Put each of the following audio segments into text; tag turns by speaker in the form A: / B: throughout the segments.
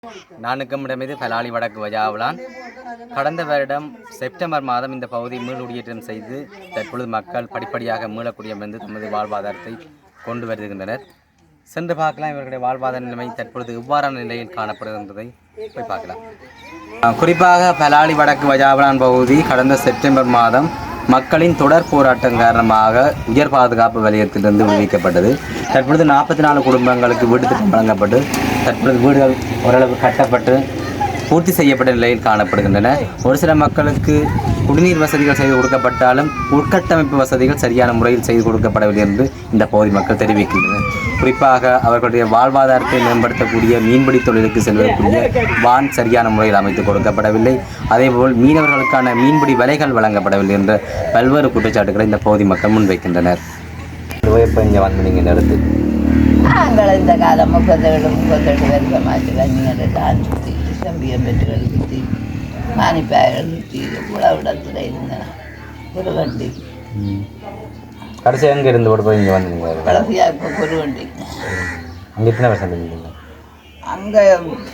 A: நானுக்கமிடமிது பலாலி வடக்கு வஜாவலான் கடந்த வருடம் செப்டம்பர் மாதம் இந்த பகுதி மீளுடியேற்றம் செய்து தற்பொழுது மக்கள் படிப்படியாக மீளக்கூடியம் என்று தமது வாழ்வாதாரத்தை கொண்டு வருகின்றனர். சென்று பார்க்கலாம் இவர்களுடைய வாழ்வாதார நிலைமை தற்பொழுது இவ்வாறான நிலையில் காணப்படுகின்றதை போய் பார்க்கலாம். குறிப்பாக பலாலி வடக்கு வஜாவலான் பகுதி கடந்த செப்டம்பர் மாதம் மக்களின் தொடர் போராட்டம் காரணமாக உயர் பாதுகாப்பு வலயத்திலிருந்து விடுவிக்கப்பட்டது. தற்பொழுது 44 குடும்பங்களுக்கு வீடு திட்டம் வழங்கப்பட்டு தற்பொழுது வீடுகள் ஓரளவு கட்டப்பட்டு பூர்த்தி செய்யப்பட்ட நிலையில் காணப்படுகின்றன. ஒரு சில மக்களுக்கு குடிநீர் வசதிகள் செய்து கொடுக்கப்பட்டாலும் உட்கட்டமைப்பு வசதிகள் சரியான முறையில் செய்து கொடுக்கப்படவில்லை என்று இந்த பகுதி மக்கள் தெரிவிக்கின்றனர். குறிப்பாக அவர்களுடைய வாழ்வாதாரத்தை மேம்படுத்தக்கூடிய மீன்பிடி தொழிலுக்கு செல்வதற்குரிய வான் சரியான முறையில் அமைத்து கொடுக்கப்படவில்லை. அதேபோல் மீனவர்களுக்கான மீன்பிடி வலைகள் வழங்கப்படவில்லை என்ற பல்வேறு குற்றச்சாட்டுகளை இந்த பகுதி மக்கள் முன்வைக்கின்றனர். இங்கே வந்து நீங்கள் நடத்து
B: நாங்கள் இந்த காலம் 37 வருஷமாச்சு கஞ்சிகளை தான் சுற்றி தம்பியம்பெற்றுகள் சுற்றி மானிப்பாய்கள் சுற்றி உழவிடத்தில் இருந்தேன். ஒரு வண்டி
A: கடைசி எங்கே இருந்து ஓட போய் இங்கே வந்தீங்க?
B: கடைசியாக இப்போ ஒரு வண்டி.
A: அங்கே எத்தனை வருஷம் இருந்தீங்க?
B: அங்கே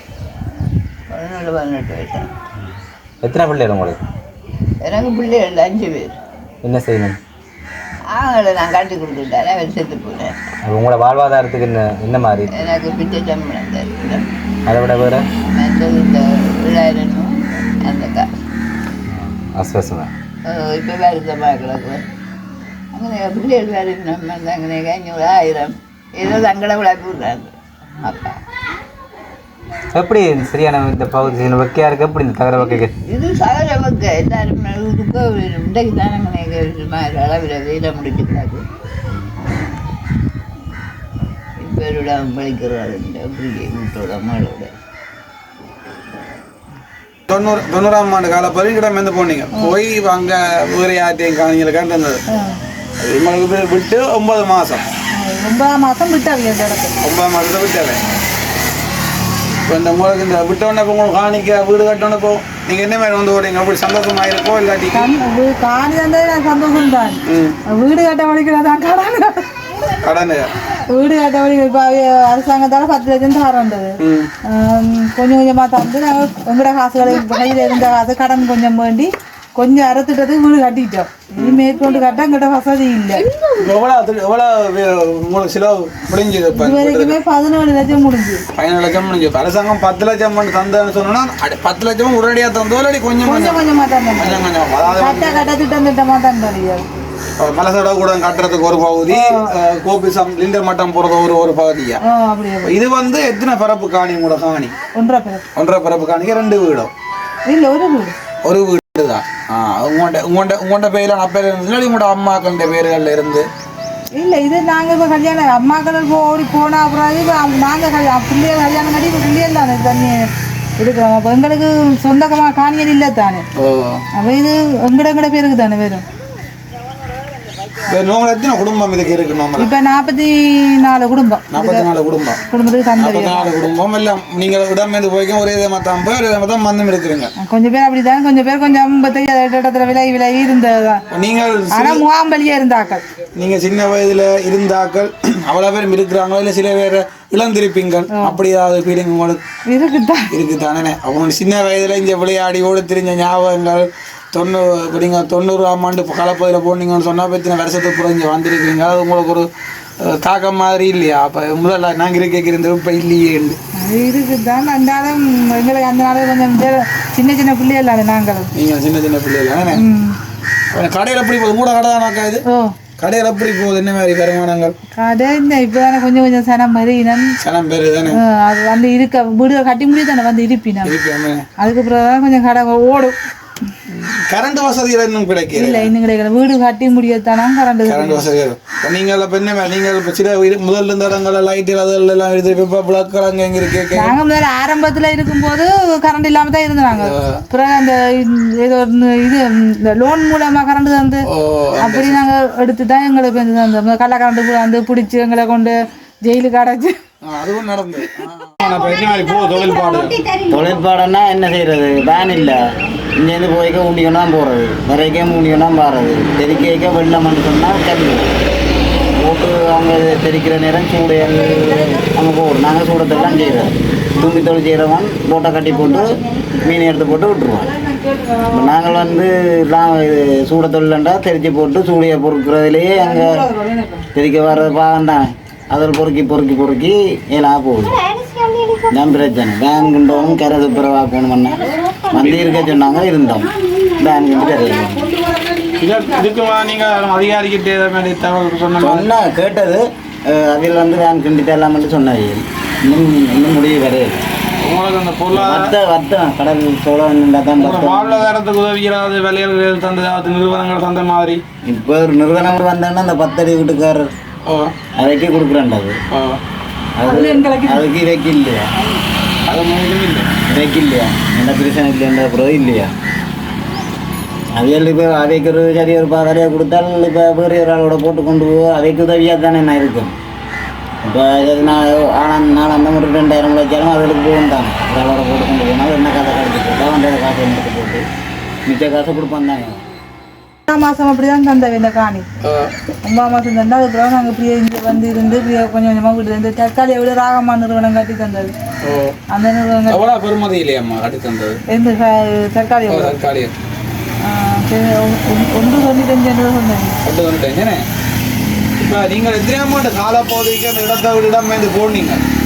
B: 17-18 வருஷம்.
A: எத்தனை பிள்ளைகள் உங்களுக்கு?
B: எனக்கு பிள்ளைகள் 5 பேர்.
A: என்ன செய்யணும்?
B: அவங்கள நான் காட்டி கொடுத்துட்டேன். அவர் செத்து போனேன்.
A: உங்களோட வாழ்வாதாரத்துக்கு என்ன மாதிரி?
B: எனக்கு பிச்சை சம்பளம் தருகிறேன்.
A: அதை விட வேறு
B: மற்றது இந்த 7,000 அந்த காசு
A: அஸ்வசமாக
B: இப்போ வருத்தமாக கிடக்கு. അങ്ങനെ பிள்ளைகள் வேறு நம்ம അങ്ങനെ 500,000 ஏதோ தங்களை விளையாட்டு விடுறாங்க அப்பா.
A: எப்படி சரியான இந்த பகுதி வைக்கையா இருக்கு? எப்படி இந்த தகர வைக்க
B: இது சகல வைக்க எல்லாரும் இதுக்கு இன்றைக்கு தானே அளவில் வெயில முடிச்சுக்கிறாரு. இப்போட பழிக்கிறாரு வீட்டோட மகளோட
C: 90ஆம் ஆண்டு கால பரிங்கிடம் வந்து போனீங்க போய் அங்கே வேறு யார்ட்டையும் காணிகளை கண்டது இவங்களுக்கு விட்டு 9 மாதம்
B: 9 மாதம் விட்டாங்க.
C: 9 மாதத்தை விட்டாவே இப்போ இந்த உங்களுக்கு இந்த விட்டோன்னே இப்போ உங்களுக்கு காணிக்க வீடு கட்டோன்னே இப்போ நீங்கள் என்ன மாதிரி வந்து ஓடுங்க? அப்படி சந்தோஷமாக இருக்கோ இல்லாட்டி
B: காணி தந்தது நான் சந்தோஷம் தான். வீடு கட்ட வலிக்கிறதான்
C: கடன்
B: வீடு கட்ட வலிக்க இப்போ அரசாங்கத்தால் 10 லட்சம் தரேன்றது கொஞ்சம் கொஞ்சமாக தந்து நாங்கள் எங்களோட காசுகளை கையில் இருந்த காசு கடன் கொஞ்சம் வேண்டி கொஞ்சம் அறுத்துட்டதுக்கு வீடு கட்டிட்டோம். இது மேற்கொண்டு கட்ட எங்கிட்ட வசதி இல்லை.
C: எவ்வளோ செலவு முடிஞ்சது?
B: இது வரைக்குமே 17 லட்சம் முடிஞ்சு.
C: 17 லட்சம் முடிஞ்சு. அரசாங்கம் 10 லட்சம் தந்தேன்னு சொன்னா 10 லட்சம் உடனடியாக தந்தோ இல்லாட்டி கொஞ்சம்
B: கொஞ்சமாக தந்தோம். கட்ட திட்டமாக தந்தோம்.
C: மலசட கூட கட்டுறதுக்கு ஒரு பகுதி, கோபிசம் லிண்டர் மட்டம் போறது ஒரு பகுதியா. இது வந்து எத்தனை பரப்பு காணி? கூட காணி 1.5 பரப்பு காணிக்கு 2 வீடும்
B: இல்லை, ஒரு வீடு
C: தான். உங்கள்கிட்ட பேரில் நான் பேர் இருந்துச்சுன்னா உங்களோட அம்மாக்கள பேர்கள்ல இருந்து
B: இல்லை. இது நாங்கள் இப்போ கல்யாணம் அம்மாக்கள் ஓடி போனால் அப்புறம் நாங்கள் பிள்ளைகள் கல்யாணம் கட்டி இப்போ பிள்ளைகள் தானே தண்ணி இருக்கிறோம். அப்போ எங்களுக்கு சொந்தமாக காணியல் இல்லை தானே. அப்போ இது எங்கட பேருக்கு தானே வரும்.
C: எத்தனை குடும்பம் இதுக்கு இருக்கு?
B: இப்போ 44 குடும்பம்.
C: 44 குடும்பம்.
B: குடும்பத்துக்கு
C: 44 குடும்பம் எல்லாம் நீங்கள் இடமேந்து போய்க்கும் ஒரே மத்தம் போய் ஒரே மத்தம் மந்தம் இருக்கிறீங்க.
B: கொஞ்சம் பேர் அப்படிதான், கொஞ்சம் பேர் கொஞ்சம் 58 இடத்துல விலகி இருந்ததுதான்.
C: நீங்கள்
B: ஆனால் முகாம்பலியாக இருந்தாக்கள்.
C: நீங்கள் சின்ன வயதில் இருந்தாக்கள் அவ்வளோ பேரும் இருக்கிறாங்களோ இல்லை சில பேர் இளந்திருப்பீங்க அப்படி ஏதாவது ஃபீலிங் உங்களுக்கு இருக்குதானே? அவங்க சின்ன வயதில் இங்கே விளையாடி ஓடி திரிஞ்ச ஞாபகங்கள் 90ஆம் ஆண்டு கலப்பதில் போனீங்கன்னு சொன்னால் பற்றின வருஷத்துக்கு புறம் இங்கே வந்திருக்கீங்க. அது உங்களுக்கு ஒரு தாக்கம் மாதிரி இல்லையா? அப்போ முதல்ல நாங்கள் இருக்கிறது இப்போ இல்லையே
B: இருக்குதான். அந்தாலும் எங்களுக்கு அந்த நாள் கொஞ்சம் சின்ன பிள்ளைகள் தானே நாங்கள்.
C: நீங்கள் சின்ன பிள்ளைகள் தானே? கடையில் எப்படி போகுது? கூட கடை தானாக்கா இது? கடையில் எப்படி போகுது? என்ன மாதிரி வருமானங்கள்? கடை
B: இந்த இப்போ தானே கொஞ்சம் சனம்
C: பேர் தானே
B: அது வந்து இருக்க வீடு கட்டி முடியும் தானே வந்து இருப்பினா. அதுக்கப்புறம் தான் கொஞ்சம் கடை ஓடும்.
C: கரண்ட் வசதிகள் இன்னும் கிடைக்கல.
B: இல்லை, இன்னும் கிடைக்கல. வீடு கட்டி முடியத்தானா கரண்ட்
C: வசதி. நீங்கள் இப்போ என்ன நீங்கள் இப்போ சில முதல்ல இருந்த இடங்கள் லைட் அதெல்லாம் எடுத்து இப்போ பிளக்கள் அங்கே எங்கே இருக்கு?
B: நாங்கள் முதல்ல ஆரம்பத்தில் இருக்கும்போது கரண்ட் இல்லாமல் தான் இருந்தாங்க. அப்புறம் அந்த ஏதோ இது இந்த லோன் மூலமாக கரண்ட் தந்து அப்படி நாங்கள் எடுத்து தான் எங்களுக்கு அந்த கள்ள கரண்ட் வந்து பிடிச்சி எங்களை கொண்டு ஜெயிலுக்கு அடைச்சி
C: அதுவும் நடந்து.
D: தொழிற்பாடுன்னா என்ன செய்யறது? வேன் இல்லை, இங்கேருந்து போய்க்க ஊண்டிக்கொண்டு தான் போகிறது, வரைக்கே ஊண்டிக்கொண்டு தான் பாடுறது, தெருக்கைக்க வெள்ளம் சொன்னால் கல்வி போட்டு அவங்க தெரிக்கிற நேரம் சூடையல் அவங்க போடும். நாங்கள் சூடத்தெல்லாம் செய்கிறோம். தூங்கி தொழில் செய்கிறவன் போட்டை கட்டி போட்டு மீன் எடுத்து போட்டு விட்டுருவோம். இப்போ நாங்கள் வந்து சூட தொழிலண்டா தெரிச்சு போட்டு சூடையை பொறுக்கிறதுலேயே அங்கே தெரிக்க வர்ற பாகம் தான் அதில் பொறுக்கி எல்லாம் போகுது. நான் பிரச்சனை வேன் கொண்டோம் கரை துப்புரவா போகணும்னா வந்து இருக்க சொன்னாங்க இருந்தோம் வேன் கொண்டு கரையில
C: இதுக்குமா நீங்கள் அதிகாரிக்கிட்டே தகவல்
D: சொன்னா கேட்டது அதில் வந்து வேன் கிண்டிட்டு எல்லாம் மட்டும் சொன்னாங்க. இன்னும் முடிவு கிடையாது.
C: உங்களுக்கு அந்த பொருளாதார
D: வர்த்தம் கடல் சோழன் தான்
C: வாழ்வாதாரத்துக்கு உதவிகளாவது விலைகள் தந்த நிறுவனங்கள் தந்த மாதிரி
D: இப்போ ஒரு நிறுவனம் வந்தோன்னா அந்த 10 அடி வீட்டுக்காரர் அதைக்கே கொடுக்குறாண்டது. அதுக்கு இதைக்கு இல்லையா?
C: அது முழுதும் இல்லை
D: இதைக்கு இல்லையா? என்ன பிரச்சனை இல்லைன்ற பிறகு இல்லையா? அவைகள் இப்போ அவைக்கு ஒரு சரி ஒரு பாதாரியாக கொடுத்தால் இப்போ வேறு ஒரு ஆளோட போட்டு கொண்டு போய் அவைக்கு உதவியாக தானே நான் இருக்கும். இப்போ நான் நாளாந்த ஒரு 2000 வச்சாலும் அதுக்கு போகும் தானே ஒரு ஆளோட போட்டு கொண்டு போனால் என்ன காசை கழிச்சு போட்டால் வந்த காசை எடுத்து போட்டு மிச்ச காசை கொடுப்பான் தாங்க.
B: 9 மாதம் அப்படி தான் தந்தவை இந்த காணி. 9 மாதம் தந்தால் அதுக்கப்புறம் நாங்கள் இப்படியே இங்கே வந்து இருந்து இப்படியே கொஞ்சம் கொஞ்சமாக வீட்டு இருந்து தற்காலியை விட ராகமா நிறுவனம் கட்டி தந்தது. அந்த நிறுவனம்
C: எவ்வளோ பெருமதி இல்லையாம்மா கட்டி தந்தது?
B: எந்த தற்காலியை ஒன்று 95 சொன்னேன்.
C: இப்போ நீங்கள் எத்தனை அமௌண்ட் காலப்போதைக்கு அந்த இடத்தை விட இடம் வந்து போனீங்க